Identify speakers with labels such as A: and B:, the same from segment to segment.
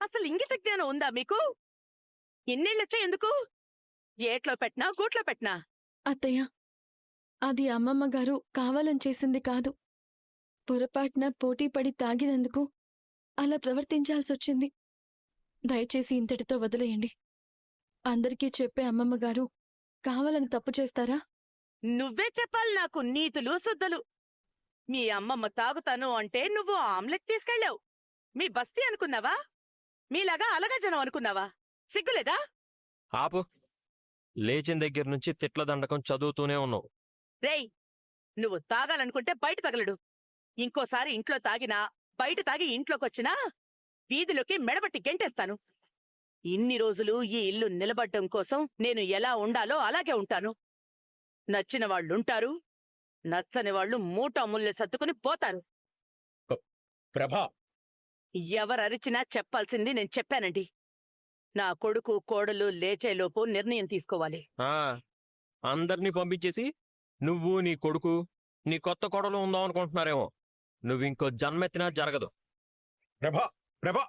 A: అసలు ఇంగిత జ్ఞానం ఉందా మీకు? ఇన్నేళ్ళొచ్చా ఎందుకు? ఏట్లో పెట్టినా గూట్లో పెట్టినా?
B: అత్తయ్య, అది అమ్మమ్మ గారు కావాలని చేసింది కాదు. పొరపాటున పోటీపడి తాగినందుకు అలా ప్రవర్తించాల్సొచ్చింది. దయచేసి ఇంతటితో వదిలేయండి. అందరికీ చెప్పే అమ్మమ్మ గారు కావాలని తప్పు చేస్తారా?
A: నువ్వే చెప్పాలి నాకు నీతులు శుద్ధలు. మీ అమ్మమ్మ తాగుతాను అంటే నువ్వు ఆమ్లెట్ తీసుకెళ్ళావు. మీ బస్తీ అనుకున్నావా? మీలాగా అలగజనం అనుకున్నావా? సిగ్గులేదా?
C: ఆపు. లేచిన దగ్గర నుంచి తిట్ల దండకం చదువుతూనే ఉన్నావు.
A: రేయ్, నువ్వు తాగాలనుకుంటే బయట తగలడు. ఇంకోసారి ఇంట్లో తాగినా, బయట తాగి ఇంట్లోకొచ్చినా వీధిలోకి మెడబట్టి గెంటేస్తాను. ఇన్ని రోజులు ఈ ఇల్లు నిలబడ్డం కోసం నేను ఎలా ఉండాలో అలాగే ఉంటాను. నచ్చిన వాళ్ళుంటారు, నచ్చని వాళ్ళు మూటాముల్లె సర్దుకుని పోతారు.
D: ప్రభా,
A: ఎవరరిచినా చెప్పాల్సింది నేను చెప్పానండి. నా కొడుకు కోడలు లేచేలోపు నిర్ణయం తీసుకోవాలి.
C: అందర్నీ పంపించేసి నువ్వు నీ కొడుకు నీ కొత్త కొడలు ఉందాం అనుకుంటున్నారేమో. నువ్వింకో జన్మెత్తినా జరగదు.
D: ప్రభా, ప్రభా.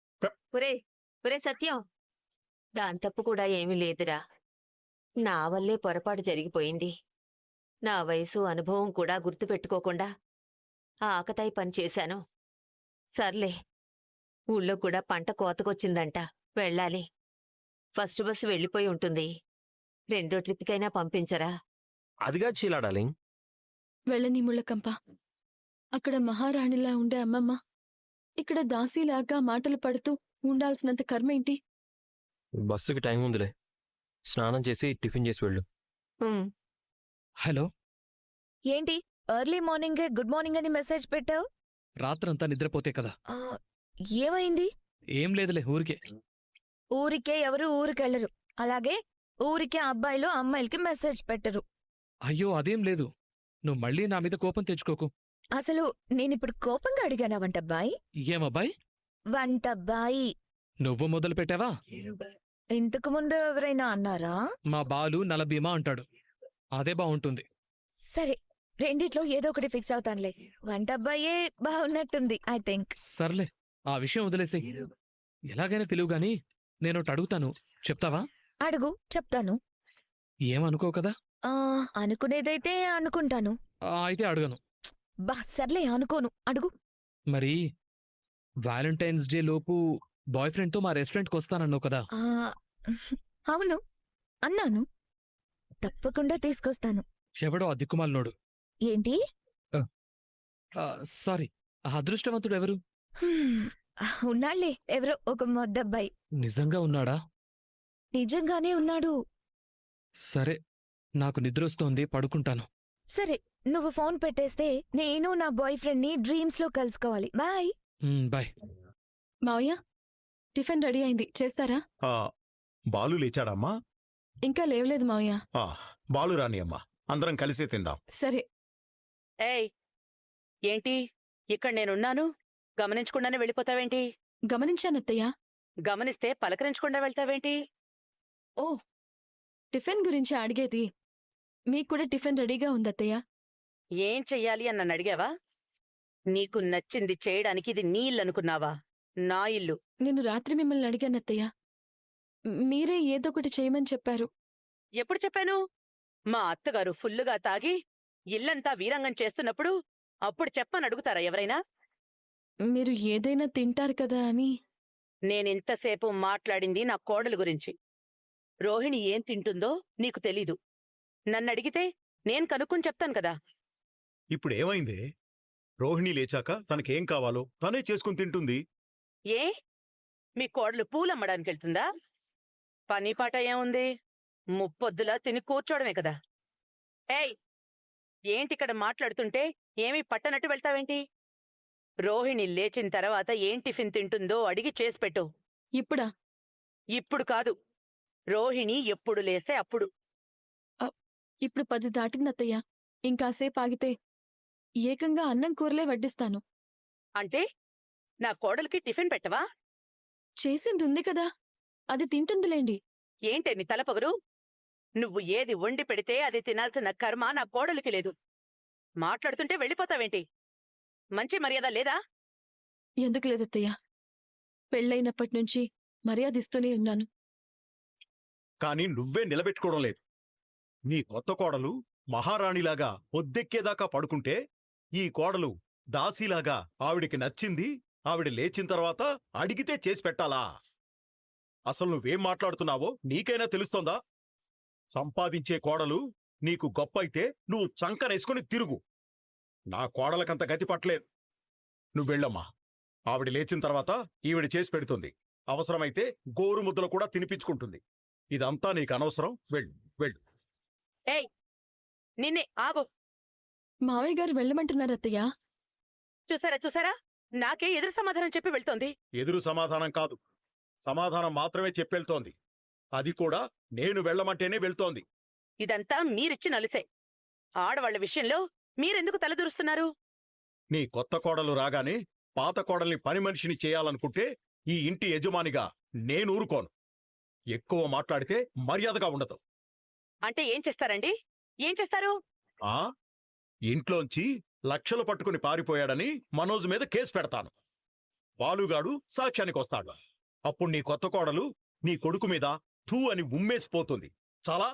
E: ఒరే సత్యం, దాని తప్పు కూడా ఏమీ లేదురా. నా వల్లే పొరపాటు జరిగిపోయింది. నా వయసు అనుభవం కూడా గుర్తుపెట్టుకోకుండా ఆ ఆకతాయి పని చేశాను. సర్లే, ఊళ్ళో కూడా పంట కోతకొచ్చిందంట, వెళ్ళాలి. ఫస్ట్ బస్సు వెళ్ళిపోయి ఉంటుంది. రెండో ట్రిప్కైనా పంపించరా?
C: అదిగా చీలాడాలి.
B: వెళ్ళని ముళ్ళకంప. అక్కడ మహారాణిలా ఉండే అమ్మమ్మ ఇక్కడ దాసీలాగా మాటలు పడుతూ ఉండాల్సినంత కర్మేంటి?
C: బస్సుకి టైం ఉందిలే. స్నానం చేసి టిఫిన్ చేసి వెళ్ళు.
F: హలో,
G: ఏంటి ఎర్లీ మార్నింగే గుడ్ మార్నింగ్ అని మెసేజ్ పెట్టావు?
F: రాత్రంతా నిద్రపోతే కదా.
G: ఏమైంది?
F: ఏం లేదులే, ఊరికే.
G: ఊరికే ఎవరు ఊరికెళ్లరు. అలాగే ఊరికే అబ్బాయిలు అమ్మాయిలకి మెసేజ్ పెట్టరు.
F: అయ్యో అదేం లేదు. నువ్వు మళ్ళీ నా మీద కోపం తెచ్చుకోకు.
G: అసలు నేనిప్పుడు కోపంగా అడిగానా వంటబ్బాయి?
F: ఏమబ్బాయి?
G: వంటబ్బాయి.
F: నువ్వు మొదలు పెట్టావా?
G: ఇంతకు ముందు ఎవరైనా అన్నారా?
F: మా బాలు నలభీమా అంటాడు. అదే బావుంటుంది.
G: సరే, రెండిట్లో ఏదో ఒకటి ఫిక్స్ అవుతానులే. వంటబ్బాయే బాగున్నట్టుంది ఐ థింక్.
F: సర్లే, ఆ విషయం వదిలేసే. ఎలాగైనా పిలువు గాని నేనొకటి అడుగుతాను, చెప్తావా?
G: అడుగు, చెప్తాను.
F: ఏమనుకో కదా?
G: అనుకునేదైతే అనుకుంటాను.
F: అయితే అడగను.
G: సర్లే, అనుకోను, అడుగు.
F: మరి వ్యాలంటైన్స్ డే లోపు బాయ్ ఫ్రెండ్తో మా రెస్టారెంట్కి వస్తానన్నావు కదా?
G: అవును, అన్నాను. తప్పకుండా తీసుకొస్తాను.
F: ఎవడో ఆ దిక్కుమాలినోడు.
G: ఏంటి?
F: సారీ, ఆ అదృష్టవంతుడు ఎవరు?
G: ఉన్నాళ్లే, ఎవరో ఒక మొద్దబ్బాయి.
F: నిజంగా ఉన్నాడా?
G: నిజంగానే ఉన్నాడు.
F: సరే, నాకు నిద్రొస్తోంది, పడుకుంటాను.
G: సరే, నువ్వు ఫోన్ పెట్టేస్తే నేను నా బాయ్ ఫ్రెండ్ ని డ్రీమ్స్ లో కలుసుకోవాలి. బాయ్.
F: బాయ్.
B: మావయ్య, టిఫిన్ రెడీ అయింది, చేస్తారా?
D: బాలు లేచాడమ్మా?
B: ఇంకా లేవలేదు మావయ్య.
D: బాలు రాని అమ్మా, అందరం కలిసే తిందాం.
B: సరే.
A: ఏయ్, ఏంటి ఇక్కడ నేనున్నాను గమనించకుండానే వెళ్ళిపోతావేంటి?
B: గమనించానత్తయ్య.
A: గమనిస్తే పలకరించకుండా వెళ్తావేంటి?
B: ఓ, టిఫిన్ గురించి అడిగేది. మీక్కూడా టిఫిన్ రెడీగా ఉందత్తయ్య.
A: ఏం చెయ్యాలి అని నన్ను అడిగావా? నీకు నచ్చింది చేయడానికి ఇది నీ ఇల్లనుకున్నావా? నా ఇల్లు.
B: నేను రాత్రి మిమ్మల్ని అడిగానత్తయ్య. మీరే ఏదొకటి చేయమని చెప్పారు.
A: ఎప్పుడు చెప్పాను? మా అత్తగారు ఫుల్లుగా తాగి ఇల్లంతా వీరంగం చేస్తున్నప్పుడు అప్పుడు చెప్పని అడుగుతారా ఎవరైనా?
B: మీరు ఏదైనా తింటారు కదా అని.
A: నేనింతసేపు మాట్లాడింది నా కోడలు గురించి. రోహిణి ఏం తింటుందో నీకు తెలీదు. నన్నడిగితే నేను కనుక్కుని చెప్తాను కదా.
D: ఇప్పుడేమైందే? రోహిణి లేచాక తనకేం కావాలో తనే చేసుకుని తింటుంది.
A: ఏ, మీ కోడలు పూలమ్మడానికెళ్తుందా? పనిపాట ఏముంది? ముప్పొద్దులా తిని కూర్చోవడమే కదా. ఏయ్, ఏంటిక్కడ మాట్లాడుతుంటే ఏమీ పట్టనట్టు వెళ్తావేంటి? రోహిణి లేచిన తర్వాత ఏం టిఫిన్ తింటుందో అడిగి చేసిపెట్టు.
B: ఇప్పుడా?
A: ఇప్పుడు కాదు, రోహిణి ఎప్పుడు లేస్తే అప్పుడు.
B: ఇప్పుడు 10 దాటిందత్తయ్య. ఇంకాసేపు ఆగితే ఏకంగా అన్నం కూరలే వడ్డిస్తాను.
A: అంటే నా కోడలికి టిఫిన్ పెట్టవా?
B: చేసిందుంది కదా, అది తింటుందిలేండి.
A: ఏంటే నీ తలపొగరు? నువ్వు ఏది వండి పెడితే అది తినాల్సిన కర్మ నా కోడలికి లేదు. మాట్లాడుతుంటే వెళ్ళిపోతావేంటి? మంచి మర్యాద లేదా?
B: ఎందుకు లేదత్తయ్య, పెళ్ళైనప్పటి నుంచి మర్యాద ఇస్తూనే ఉన్నాను.
D: కానీ నువ్వే నిలబెట్టుకోవడం లేదు. నీ కొత్త కోడలు మహారాణిలాగా పొద్దెక్కేదాకా పడుకుంటే ఈ కోడలు దాసీలాగా ఆవిడికి నచ్చింది ఆవిడ లేచిన తర్వాత అడిగితే చేసి పెట్టాలా? అసలు నువ్వేం మాట్లాడుతున్నావో నీకైనా తెలుస్తోందా? సంపాదించే కోడలు నీకు గొప్ప అయితే నువ్వు చంకనేసుకుని తిరుగు. నా కోడలకంత గతి పట్టలేదు. నువ్వెళ్ళమ్మా. ఆవిడ లేచిన తర్వాత ఈవిడ చేసి పెడుతుంది. అవసరమైతే గోరు ముద్దలు కూడా తినిపించుకుంటుంది. ఇదంతా నీకు అనవసరం. వెళ్ళు వెళ్ళు.
A: ఏయ్ నిన్నే ఆగు.
B: మావయ్య గారు వెళ్ళమంటున్నారు అత్తయ్య.
A: చూసారా చూసారా, నాకే ఎదురు సమాధానం చెప్పి వెళ్తోంది.
D: ఎదురు సమాధానం కాదు, సమాధానం మాత్రమే చెప్పెళ్తోంది. అది కూడా నేను వెళ్ళమంటేనే వెళ్తోంది.
A: ఇదంతా మీరిచ్చిన అలుసే. ఆడవాళ్ల విషయంలో మీరెందుకు తలదూరుస్తున్నారు?
D: నీ కొత్త కోడలు రాగానే పాత కోడల్ని పని మనిషిని చేయాలనుకుంటే ఈ ఇంటి యజమానిగా నేను ఊరుకోను. ఎక్కువ మాట్లాడితే మర్యాదగా ఉండదు.
A: అంటే ఏం చేస్తారండి? ఏం చేస్తారు?
D: ఆ ఇంట్లోంచి లక్షలు పట్టుకుని పారిపోయాడని మనోజ్ మీద కేసు పెడతాను. బాలుగాడు సాక్ష్యానికి వస్తాడు. అప్పుడు నీ కొత్త కోడలు నీ కొడుకు మీద థూ అని ఉమ్మేసిపోతుంది. చాలా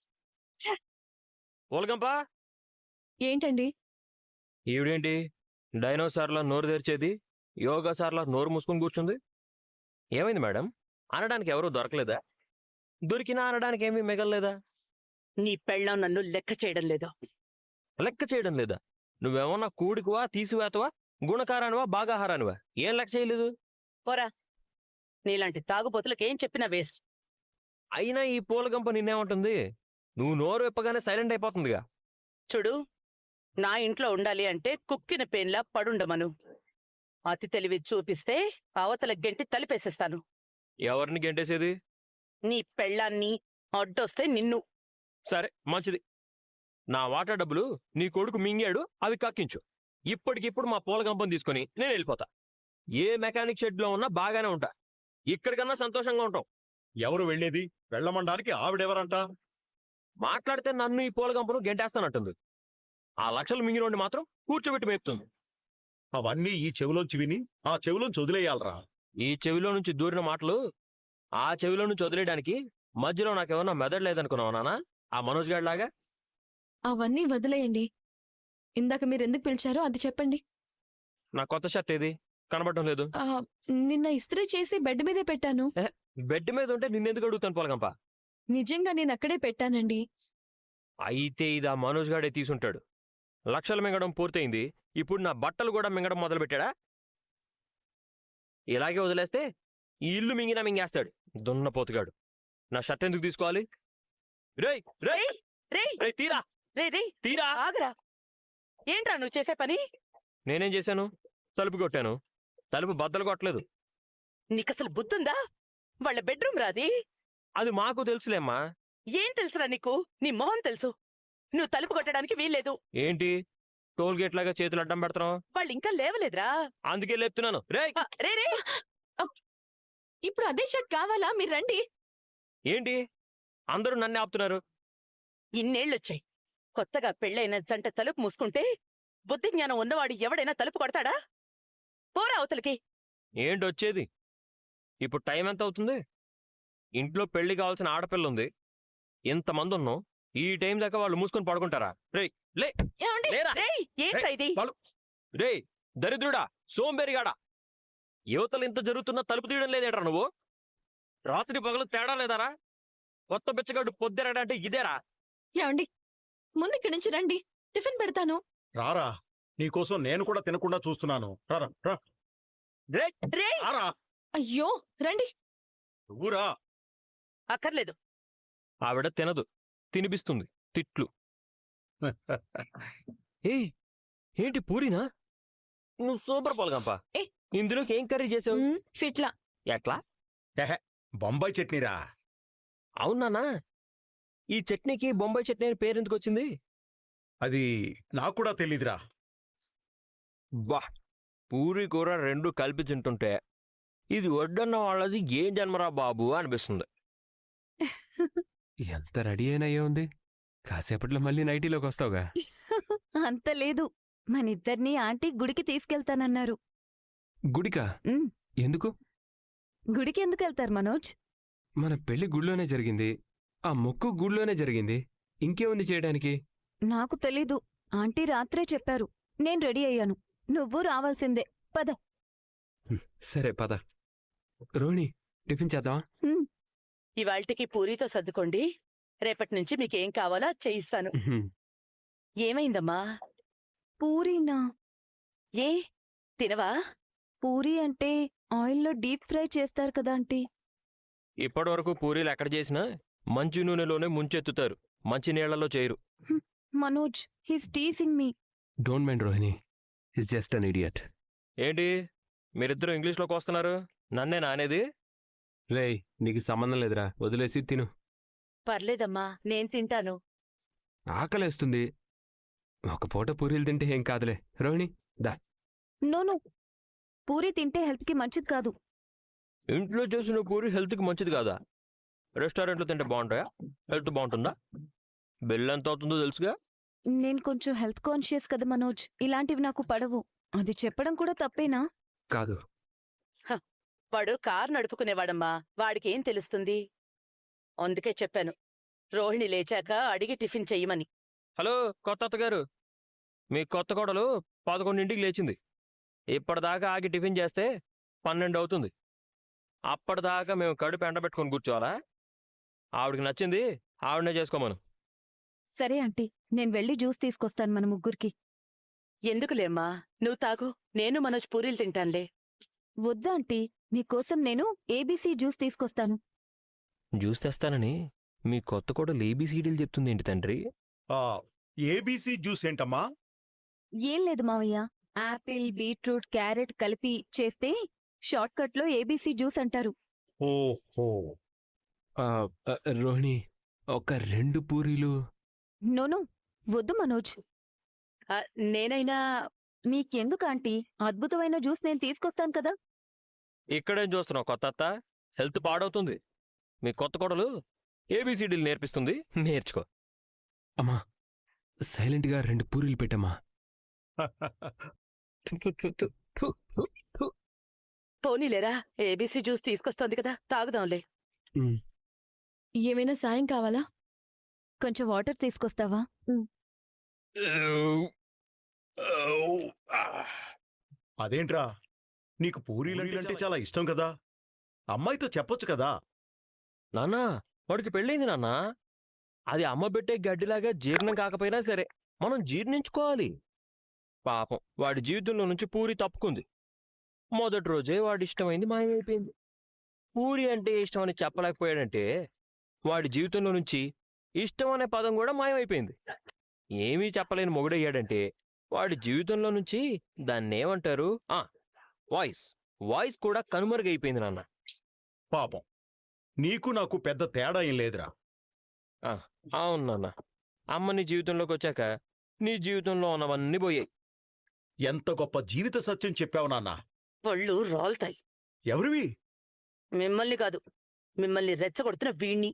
C: ఓలగంపా,
B: ఏంటండి?
C: ఈవిడేంటి డైనోసార్లా నోరు తెరిచేది, యోగాసార్లా నోరు మూసుకొని కూర్చుంది? ఏమైంది మేడం? అనడానికి ఎవరూ దొరకలేదా? దొరికినా అనడానికి ఏమీ మిగల్లేదా?
A: నీ పెళ్ళాం నన్ను లెక్క చేయడం లేదు.
C: లెక్క చేయడం లేదా? నువ్వేమన్నా కూడికువా, తీసివేతవా, గుణకారానివా, బాగాహారానివా? ఏం లెక్క చేయలేదు?
A: పోరా, నీలాంటి తాగుబోతులకేం చెప్పినా వేస్ట్.
C: అయినా ఈ పూలగంప నిన్నేమంటుంది? నువ్వు నోరు విప్పగానే సైలెంట్ అయిపోతుందిగా.
A: చూడు, నా ఇంట్లో ఉండాలి అంటే కుక్కిన పేన్లా పడుండమను. అతి తెలివి చూపిస్తే అవతల గెంటి తలిపేసేస్తాను.
C: ఎవరిని గెంటేసేది?
A: నీ పెళ్ళాన్ని, అడ్డొస్తే నిన్ను.
C: సరే, మంచిది. నా వాటా డబ్బులు నీ కొడుకు మింగాడు, అవి కక్కించు. ఇప్పటికిప్పుడు మా పూలగంపను తీసుకుని నేను వెళ్ళిపోతా. ఏ మెకానిక్ షెడ్లో ఉన్నా బాగానే ఉంటా. ఇక్కడికన్నా సంతోషంగా ఉంటాం.
D: ఎవరు వెళ్ళేది? వెళ్ళమండానికి ఆవిడెవరంట?
C: మాట్లాడితే నన్ను ఈ పూలగంపను గెంటేస్తానంటుంది. ఆ లక్షలు మింగినోడిని మాత్రం కూర్చోబెట్టి మేపుతుంది.
D: అవన్నీ ఈ చెవిలోంచి విని ఆ చెవిలోంచి వదిలేయాలరా.
C: ఈ చెవిలో నుంచి దూరిన మాటలు ఆ చెవిలో నుంచి వదిలేయడానికి మధ్యలో నాకేమన్నా మెదడు లేదనుకున్నావా నాన్న? ఆ మనోజ్ గాడిలాగా.
B: అవన్నీ వదిలేయండి. ఇందాక మీరెందుకు పిలిచారో అది చెప్పండి.
C: నా కొత్త షర్ట్ ఏది? కనబడటం లేదు.
B: ఆ, నిన్న ఇస్త్రీ చేసి బెడ్ మీదే పెట్టాను.
C: బెడ్ మీద ఉంటే నిన్నెందుకు అడుగుతాను పూలగంప?
B: నిజంగా నేను అక్కడే పెట్టానండి.
C: అయితే ఇది ఆ మనోజ్ గాడే తీసుంటాడు. లక్షలు మింగడం పూర్తయింది. ఇప్పుడు నా బట్టలు కూడా మింగడం మొదలుపెట్టాడా? ఇలాగే వదిలేస్తే ఈ ఇల్లు మింగినా మింగేస్తాడు దున్నపోతుగాడు. నా షర్ట్ ఎందుకు తీసుకోవాలి? రేయ్ రేయ్
A: రేయ్
C: రేయ్, తీరా
A: రేయ్
C: తీరా.
A: ఆగరా. ఏంట్రా నువ్వు చేసే పని?
C: నేనేం చేశాను? తలుపు కొట్టాను. తలుపు బద్దలు కొట్టలేదు.
A: నీకసలు బుద్ధుందా? వాళ్ళ బెడ్రూమ్ రాది.
C: అది మాకు తెలుసులేమ్మా.
A: ఏం తెలుసురా నీకు? నీ మొహం తెలుసు. నువ్వు తలుపు కొట్టడానికి వీల్లేదు.
C: ఏంటి టోల్ గేట్ లాగా చేతులు అడ్డం పెడతాం?
A: వాళ్ళు ఇంకా లేవలేదురా.
C: అందుకే లేపుతున్నాను. రేయ్
A: రే రే
B: ఇప్పుడు అదే షర్ట్ కావాలా? మీరు రండి.
C: ఏంటి అందరూ నన్నే ఆపుతున్నారు?
A: ఇన్నేళ్ళొచ్చాయి. కొత్తగా పెళ్ళైన జంట తలుపు మూసుకుంటే బుద్ధి జ్ఞానం ఉన్నవాడు ఎవడైనా తలుపు కొడతాడా? పోరా అవతలికి.
C: ఏంటి వచ్చేది? ఇప్పుడు టైం ఎంత అవుతుంది? ఇంట్లో పెళ్లి కావాల్సిన ఆడపిల్ల ఉంది. ఇంతమంది ఉన్నాం. ఈ టైం దాకా వాళ్ళు మూసుకొని పడుకుంటారా? రేయ్ లే
B: ఏమండి?
C: లేరా.
A: రేయ్ ఏంట్రా ఇది?
C: రేయ్ దరిద్రుడా, సోంబేరిగాడా, యువతలు ఇంత జరుగుతున్నా తలుపు తీయడం లేదేట్రా నువ్వు? రాత్రి పగలు తేడా లేదారా? కొత్త బిచ్చగాడు పొద్దెరడా అంటే ఇదేరా?
B: ఏమండి? ముందు ఇక్కడి నుంచి రండి. టిఫిన్ పెడతాను.
D: రారా, నీకోసం నేను కూడా తినకుండా చూస్తున్నాను. రారా రా.
C: రేయ్
A: రేయ్
D: రారా,
B: అయ్యో రండి.
D: నువ్వురా.
A: అక్కర్లేదు.
C: ఆవిడ తినదు, తినిపిస్తుంది తిట్లు. ఏయ్ ఏంటి పూరినా? నువ్వు సూపర్ పాల్గంప.
B: ఏ.
C: ఇందులోకి ఏం కర్రీ చేసావు?
B: ఫిట్లా.
C: ఎట్లా?
D: బొంబాయి చట్నీరా.
C: అవునానా? ఈ చట్నీకి బొంబాయి చట్నీ అని పేరెందుకు వచ్చింది?
D: అది నాకు కూడా తెలీదురా.
C: బా, పూరి కూర రెండు కలిపి తింటుంటే ఇది వడ్డన్న వాళ్ళది ఏం జన్మరా బాబు అనిపిస్తుంది.
H: ఎంత రెడీ అయినయ్యే ఉంది. కాసేపట్లో మళ్ళీ నైటీలోకి వస్తావుగా.
I: అంత లేదు. మనిద్దరినీ ఆంటీ గుడికి తీసుకెళ్తానన్నారు.
H: గుడికా?
I: ఉమ్.
H: ఎందుకు?
I: గుడికి ఎందుకు వెళ్తారు మనోజ్?
H: మన పెళ్లి గుళ్ళోనే జరిగింది, ఆ మొక్కు గుళ్ళోనే జరిగింది. ఇంకేముంది చేయడానికి?
I: నాకు తెలీదు. ఆంటీ రాత్రే చెప్పారు. నేను రెడీ అయ్యాను. నువ్వు రావాల్సిందే. పద.
H: సరే పద. రోహిణి, టిఫిన్ చేద్దాం.
A: ఇవాళ్టికి పూరీతో సర్దుకోండి. రేపటి నుంచి మీకేం కావాలో అది చేయిస్తాను. ఏమైందమ్మా?
I: పూరీనా?
A: ఏ తినవా?
I: పూరీ అంటే ఆయిల్లో డీప్ ఫ్రై చేస్తారు కదా ఆంటీ.
C: ఇప్పటి వరకు పూరీలు ఎక్కడ చేసినా మంచి నూనెలోనే ముంచెత్తుతారు, మంచి నీళ్లలో చేయరు.
I: Manoj, he's teasing me.
H: Don't mind Rohini, is just an idiot.
C: ఏంటి మీరిద్దరూ ఇంగ్లీష్లోకి వస్తున్నారు? నన్నే నానేది?
H: రేయ్, నీకు సంబంధం లేదురా, వదిలేసి తిను.
A: పర్లేదమ్మా, నేను తింటాను.
H: ఆకలేస్తుంది. ఒక పూట పూరీలు తింటే ఏం కాదులే. రోహిణి దా.
I: నోను, పూరీ తింటే హెల్త్కి మంచిది కాదు.
C: ఇంట్లో చేసిన పూరి హెల్త్కి మంచిది కాదా? రెస్టారెంట్లో తింటే బాగుంటాయా? హెల్త్ బాగుంటుందా? బిల్ ఎంత అవుతుందో తెలుసుగా.
I: నేను కొంచెం హెల్త్ కాన్షియస్ కదా మనోజ్. ఇలాంటివి నాకు పడవు. అది చెప్పడం కూడా తప్పేనా?
H: కాదు.
A: వాడు కారు నడుపుకునేవాడమ్మా, వాడికేం తెలుస్తుంది? అందుకే చెప్పాను, రోహిణి లేచాక అడిగి టిఫిన్ చెయ్యమని.
C: హలో కొత్త అత్తగారు, మీ కొత్త కోడలు 11ంటికి లేచింది. ఇప్పటిదాకా ఆగి టిఫిన్ చేస్తే 12 అవుతుంది. అప్పటిదాకా మేము కడుపు ఎండబెట్టుకొని కూర్చోవాలా? ఆవిడికి నచ్చింది ఆవిడనే చేసుకోమను.
I: సరే ఆంటీ, నేను వెళ్ళి జ్యూస్ తీసుకొస్తాను మన ముగ్గురికి.
A: ఎందుకులేమ్మా, నువ్వు తాగు, నేను మనోజ్ పూరీలు తింటానులే.
I: వద్దా ఆంటీ, మీకోసం నేను ఏబీసీ జ్యూస్ తీసుకొస్తాను.
C: జ్యూస్ తెస్తానని మీ కొత్త కోడలు ఏబీసీడీలు చెప్తుంది ఏంటి తండ్రి?
D: ఏబీసీ జ్యూస్ ఏంటమ్మా?
I: ఏం లేదు మావయ్య, యాపిల్, బీట్రూట్, క్యారెట్ కలిపి చేస్తే షార్ట్కట్లో ఏబీసీ జ్యూస్ అంటారు.
D: ఓహో.
H: రోహిణి, ఒక 2 పూరీలు.
I: నోను, వద్దు మనోజ్.
A: నేనైనా
I: మీకెందుకు ఆంటీ, అద్భుతమైన జ్యూస్ నేను తీసుకొస్తాను కదా.
C: ఇక్కడేం చూస్తున్నావు కొత్త అత్త? హెల్త్ పాడవుతుంది. మీ కొత్త కోడలు ఏబీసీడీలు నేర్పిస్తుంది, నేర్చుకో.
H: అమ్మా, సైలెంట్గా 2 పూరీలు పెట్టమ్మా.
A: పోనీలేరా, ఏబీసీ జ్యూస్ తీసుకొస్తోంది కదా, తాగుదాంలే.
B: ఏమైనా సాయం కావాలా?
I: కొంచెం వాటర్ తీసుకొస్తావా?
D: అదేంట్రా, నీకు పూరీలంటే చాలా ఇష్టం కదా, అమ్మాయితో చెప్పొచ్చు కదా.
C: నాన్నా, వాడికి పెళ్ళైంది నాన్నా. అది అమ్మ పెట్టే గడ్డిలాగా జీర్ణం కాకపోయినా సరే మనం జీర్ణించుకోవాలి. పాపం వాడి జీవితంలో నుంచి పూరి తప్పుకుంది. మొదటి రోజే వాడి ఇష్టమైంది మాయమైపోయింది. పూరి అంటే ఇష్టమని చెప్పలేకపోయాడంటే వాడి జీవితంలో నుంచి ఇష్టం అనే పదం కూడా మాయమైపోయింది. ఏమీ చెప్పలేని మొగుడయ్యాడంటే వాడి జీవితంలో నుంచి దాన్నేమంటారు, వాయిస్ కూడా కనుమరుగైపోయింది నాన్న.
D: పాపం, నీకు నాకు పెద్ద తేడా ఏం లేదురా.
C: అవును నాన్న, అమ్మ నీ జీవితంలోకి వచ్చాక నీ జీవితంలో ఉన్నవన్నీ పోయాయి.
D: ఎంత గొప్ప జీవిత సత్యం చెప్పావు నాన్న.
A: ఒళ్ళు రాల్తాయి.
D: ఎవరివి?
A: మిమ్మల్ని కాదు, మిమ్మల్ని రెచ్చగొడుతున్న వీణ్ణి.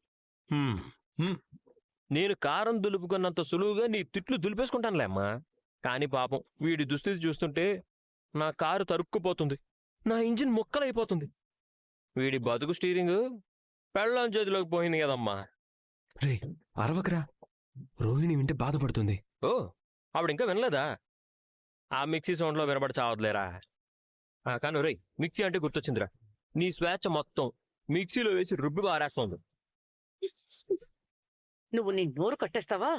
C: నేను కారం దులుపుకున్నంత సులువుగా నీ తిట్లు దులిపేసుకుంటానులే అమ్మా. కాని పాపం వీడి దుస్థితి చూస్తుంటే నా కారు తరుక్కుపోతుంది, నా ఇంజిన్ ముక్కలైపోతుంది. వీడి బతుకు స్టీరింగు పెళ్ళాం చేతిలోకి పోయింది కదమ్మా.
H: రే, అరవకరా, రోహిణి వింటే బాధపడుతుంది.
C: ఓ, ఆవిడింకా వినలేదా? ఆ మిక్సీ సౌండ్లో వినబడి చావద్లేరా. కానీ రేయ్, మిక్సీ అంటే గుర్తొచ్చిందిరా, నీ స్వేచ్ఛ మొత్తం మిక్సీలో వేసి రుబ్బి బారేస్తోంది.
A: నువ్వు నీ నోరు కట్టేస్తావా?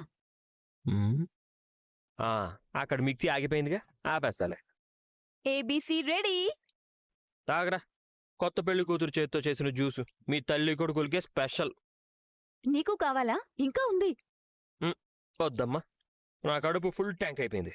C: అక్కడ మిక్సీ ఆగిపోయిందిగా, ఆపేస్తాలే.
I: ABC ready.
C: తాగరా, కొత్త పెళ్లి కూతురు చేతితో చేసిన జ్యూసు మీ తల్లి కొడుకులకే స్పెషల్.
I: నీకు కావాలా? ఇంకా ఉంది.
C: వద్దమ్మా, నా కడుపు ఫుల్ ట్యాంక్ అయిపోయింది.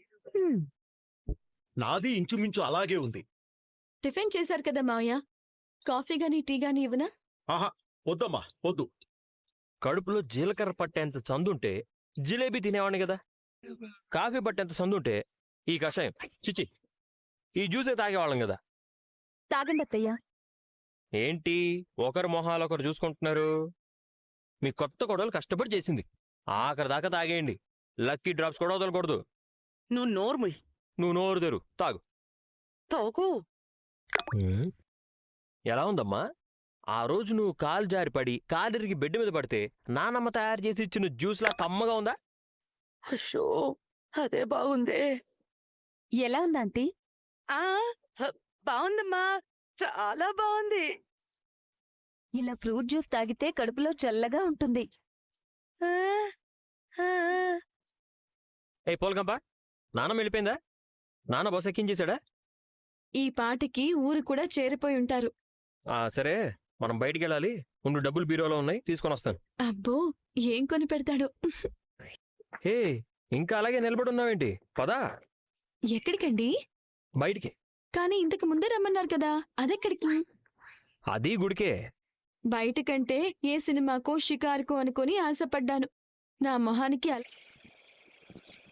D: నాది ఇంచుమించు అలాగే ఉంది.
B: టిఫిన్ చేశారు కదా మావయ్య, కాఫీ గానీ టీ గానీ ఇవ్వనా?
D: ఆహా, వద్దమ్మా, వద్దు.
C: కడుపులో జీలకర్ర పట్టేంత సందుంటే జిలేబీ తినేవాడిని కదా. కాఫీ పట్టేంత సందుంటే ఈ కషాయం, చిచి, ఈ జ్యూసే తాగేవాళ్ళం కదా.
I: తాగండి అత్తయ్య.
C: ఏంటి ఒకరు మొహాలు ఒకరు చూసుకుంటున్నారు? మీ కొత్త కొడవలు కష్టపడి చేసింది, ఆఖరి దాకా తాగేయండి. లక్కీ డ్రాప్స్ కూడా వదలకూడదు.
A: నువ్వు నోర్ముయ్.
C: నువ్వు నోరు తెరు, తాగు.
A: తాగు.
C: ఎలా ఉందమ్మా? ఆ రోజు నువ్వు కాలు జారి పడి కాలిరిగి బెడ్ మీద పడితే నానమ్మ తయారు చేసి ఇచ్చిన జ్యూస్లా కమ్మగా ఉందా?
A: అషో అదే బాగుందే.
I: ఎలా ఉంది ఆంటీ?
A: ఆ బాగుందమ్మా, చాలా బాగుంది.
I: ఇలా ఫ్రూట్ జ్యూస్ తాగితే కడుపులో చల్లగా ఉంటుంది.
A: ఆ, ఆ,
C: ఏ పోల్గంప, నానమ్మ వెళ్ళిపోయిందా? నాన్న బస్ ఎక్కించేశాడా?
B: ఈ పాటికి ఊరు కూడా చేరిపోయి ఉంటారు.
C: సరే, మనం బయటికి వెళ్ళాలి. ముందు డబ్బులు బీరోలో ఉన్నాయి, తీసుకొని వస్తాను.
B: అబ్బో, ఏం కొని పెడతాడో.
C: హే, ఇంకా అలాగే నిలబడి ఉన్నావేంటి? పదా
B: ఎక్కడికండి?
C: బయటికి.
B: కానీ ఇంతకు ముందే రమ్మన్నారు కదా, అదెక్కడికి?
C: అది గుడికే.
B: బయటకంటే ఏ సినిమాకో షికారుకో అనుకొని ఆశపడ్డాను. నా మొహానికి